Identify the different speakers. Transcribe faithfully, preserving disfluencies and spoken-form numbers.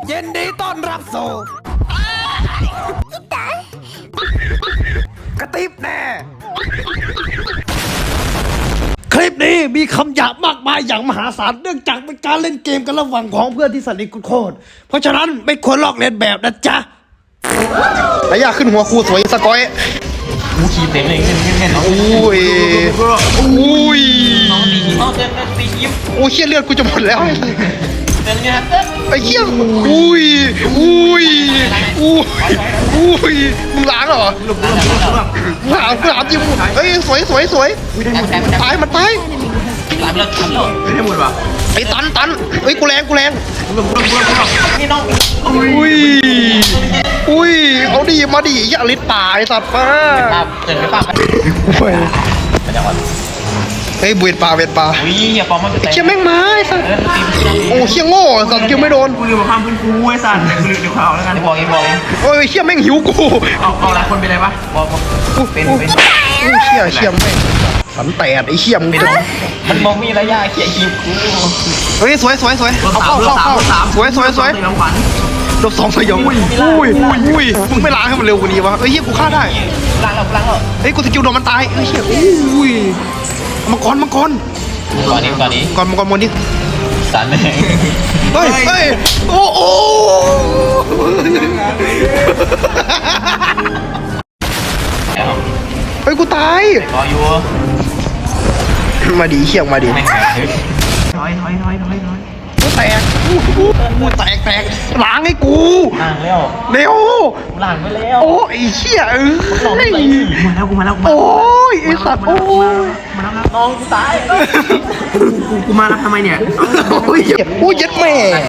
Speaker 1: ยินดีต้อนรับสู่กระติบแน่คลิปนี้มีคำหยาบมากมายอย่างมหาศาลเนื่องจากเป็นการเล่นเกมกันระหว่างของเพื่อนที่สนิทโคตรเพราะฉะนั้นไม่ควรลอกเลียนแบบนะจ๊ะระยะขึ้นหัวครูสวยสกอย
Speaker 2: มูขีเต็มเลยเงี้ยเงี้ยน้อง
Speaker 1: อุ้ยอุ้ย
Speaker 2: น้องดีน้องเต้นเต้นตียิ้ม
Speaker 1: โอ้เชี่ยเลือดกูจะหมดแล้ว
Speaker 2: เต้นเนี่ยเต้น
Speaker 1: ไอ้เชี่ยอุ้ยอุ้ยอุ้ยอุ้ยมึงล้างเหรอ
Speaker 2: หลุดหลุดหลุดหลุด
Speaker 1: ถามถามจริงเฮ้ยสวยสวยสวยตายมันตาย
Speaker 2: หลับแล้วหลับแล้วไม่ได้หมดว่ะ
Speaker 1: ไอ้ตันตันเฮ้ยกูแรงกูแรง
Speaker 2: หลุดหลุดหลุดหลุดนี่น้อง
Speaker 1: อุ้ยอุ้ยเอาดีมาดิอย่าลิ้นป่าไอ้สัตว์ป้า
Speaker 2: ครับเดินไปป่ะ
Speaker 1: เฮ้ย
Speaker 2: ไปจังหวัด
Speaker 1: เฮ้ยเวียนป่าเวียนป่า
Speaker 2: อุ้ยอย่าปอมมัน
Speaker 1: ไอ้เชี่ยแม่งมาไอ้สัตว์โอ้เชี่ยโง่สัตว์คิวไม่โดน
Speaker 2: กูอยู่กับความพื้นฟูไอ้สัตว์กูอยู่กับเขาแล้วกันบอกเองบอกเอง
Speaker 1: โอ้ยเชี่ยแม่งหิวกู
Speaker 2: เอาเอาหลายคนเป็นไรปะบอกเป็นเป็น
Speaker 1: โอ้เชี่ยเชี่ยแม่งสันแตดไอ้เชี่ยมึง
Speaker 2: มันมองมีระยะเขี่ยคิวกู
Speaker 1: เฮ้ยสวยสวยสวยเอาเข้าเข้าเข้าสวยสวยสวย
Speaker 2: รางวัล
Speaker 1: ลบสองสยองอุ้ยอุ้ยอุ้ยอุ้ยมึงไม่ล้างให้มันเร็วกว่านี้วะเอ้ยเฮียกูฆ่าได้
Speaker 2: ล้างแล้วล้างแล้ว
Speaker 1: เฮ้ยกูสกิลโดนมันตายเอ้ยเฮียอุ้ยมังกรมังกร
Speaker 2: ตอนนี้ตอนนี้
Speaker 1: ก่อนมังกรมนนี่
Speaker 2: สันเลย
Speaker 1: เฮ้ยเฮ้ยโอ้โอ้เฮ้ยกูตาย
Speaker 2: รออยู่
Speaker 1: มาดีเฮียมาดี
Speaker 2: แม่งถอยถอยถอยถอยถอย
Speaker 1: กูแตกกูแตกแตกล้างให้กู
Speaker 2: ล้างแล้ว
Speaker 1: เร็ว
Speaker 2: ล้างไปแล้ว
Speaker 1: โอ้ไอ้เชี่ยเอ้
Speaker 2: ลองไป
Speaker 1: ย
Speaker 2: มาแล้วกูมาแล้วกูมา
Speaker 1: โอ้ยไอ้สัตว์โอ้ย
Speaker 2: มาแล้วน้องกูตายกูกูมาแล้วทำไมเนี่ย
Speaker 1: โอ้ยโอ้ยยัดแม่